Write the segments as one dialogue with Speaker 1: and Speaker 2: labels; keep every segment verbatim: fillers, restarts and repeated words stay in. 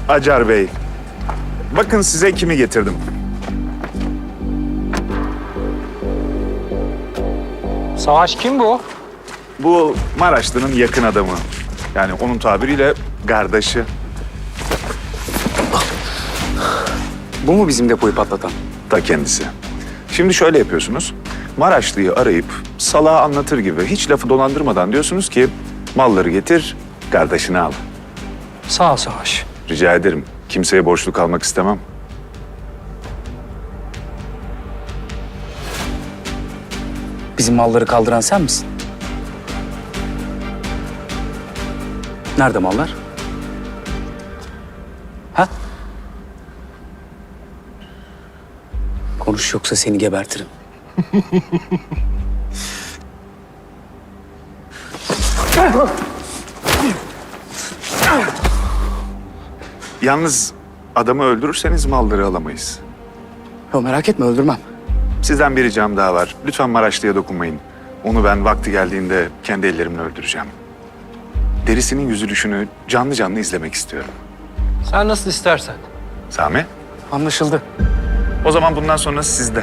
Speaker 1: Acar Bey, bakın size kimi getirdim.
Speaker 2: Savaş kim bu?
Speaker 1: Bu Maraşlı'nın yakın adamı. Yani onun tabiriyle kardeşi.
Speaker 3: Bu mu bizim depoyu patlatan?
Speaker 1: Da kendisi. Şimdi şöyle yapıyorsunuz. Maraşlı'yı arayıp salağa anlatır gibi hiç lafı dolandırmadan diyorsunuz ki malları getir, kardeşini al.
Speaker 2: Sağ ol Savaş.
Speaker 1: Rica ederim. Kimseye borçlu kalmak istemem.
Speaker 3: Bizim malları kaldıran sen misin? Nerede mallar? Ha? Konuş yoksa seni gebertirim.
Speaker 1: Yalnız adamı öldürürseniz malları alamayız.
Speaker 3: Yo, merak etme, öldürmem.
Speaker 1: Sizden bir ricam daha var. Lütfen Maraşlı'ya dokunmayın. Onu ben vakti geldiğinde kendi ellerimle öldüreceğim. Derisinin yüzülüşünü canlı canlı izlemek istiyorum.
Speaker 2: Sen nasıl istersen.
Speaker 1: Sami,
Speaker 3: Anlaşıldı.
Speaker 1: o zaman bundan sonra sizde.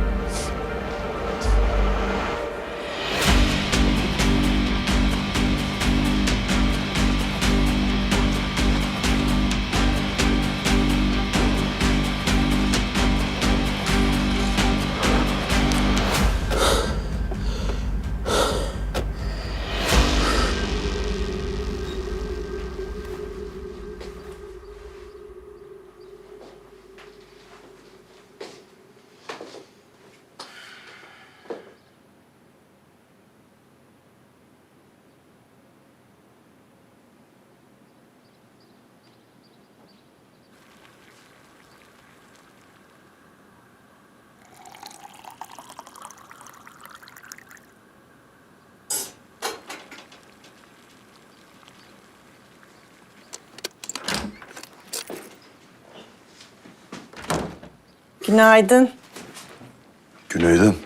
Speaker 4: Günaydın.
Speaker 5: Günaydın.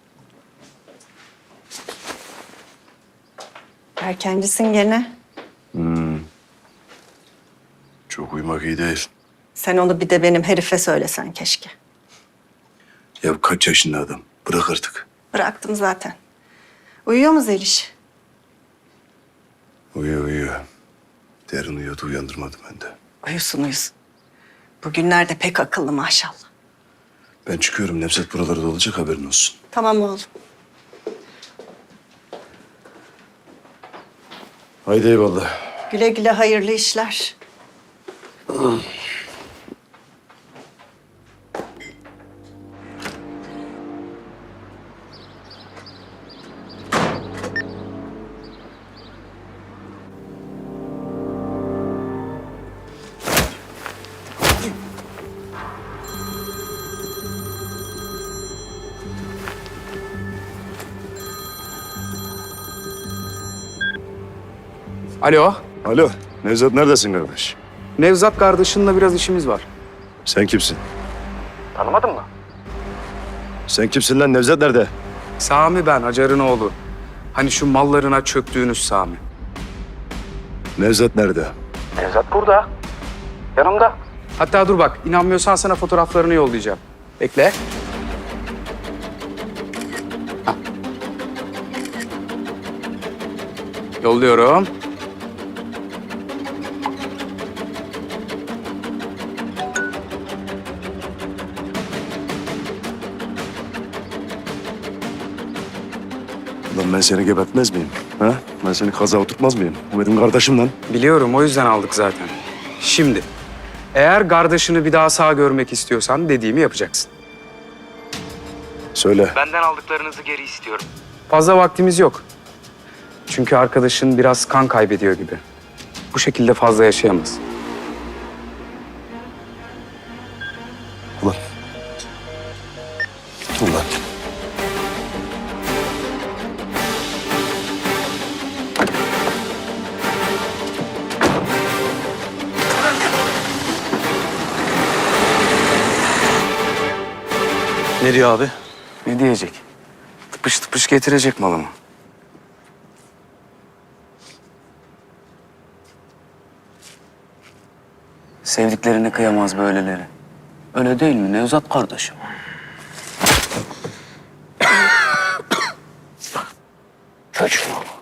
Speaker 4: Erkencisin gene.
Speaker 5: Çok uyumak iyi değil.
Speaker 4: Sen onu bir de benim herife söylesen keşke.
Speaker 5: Ya kaç yaşında adam? Bırak artık.
Speaker 4: Bıraktım zaten. Uyuyor mu Zeliş?
Speaker 5: Uyuyor uyuyor. Derin uyuyordu, uyandırmadım ben de.
Speaker 4: Uyusun uyusun. Bugünlerde pek akıllı maşallah.
Speaker 5: Ben çıkıyorum. Nevzat buralarda olacak, haberin olsun.
Speaker 4: Tamam oğlum.
Speaker 5: Haydi eyvallah.
Speaker 4: Güle güle hayırlı işler.
Speaker 3: Alo,
Speaker 5: Alo, Nevzat neredesin kardeş?
Speaker 3: Nevzat kardeşinle biraz işimiz var.
Speaker 5: Sen kimsin?
Speaker 3: Tanımadın mı?
Speaker 5: Sen kimsin lan? Nevzat nerede?
Speaker 3: Sami ben, Hacer'ın oğlu. Hani şu mallarına çöktüğünüz Sami.
Speaker 5: Nevzat nerede?
Speaker 3: Nevzat burada. Yanımda. Hatta dur bak, inanmıyorsan sana fotoğraflarını yollayacağım. Bekle. Hah. Yolluyorum.
Speaker 5: Ulan ben seni gebertmez miyim? Ha? Ben seni kaza oturtmaz mıyım? Bu benim kardeşim lan.
Speaker 3: Biliyorum, o yüzden aldık zaten. Şimdi, eğer kardeşini bir daha sağ görmek istiyorsan dediğimi yapacaksın.
Speaker 5: Söyle.
Speaker 3: Benden aldıklarınızı geri istiyorum. Fazla vaktimiz yok. Çünkü arkadaşın biraz kan kaybediyor gibi. Bu şekilde fazla yaşayamaz.
Speaker 5: Ulan. Ulan.
Speaker 6: Ne diyor abi?
Speaker 3: Ne diyecek? Tıpış tıpış getirecek malımı.
Speaker 6: Sevdiklerine kıyamaz böyleleri. Öyle değil mi Nevzat kardeşim? Çocuğum.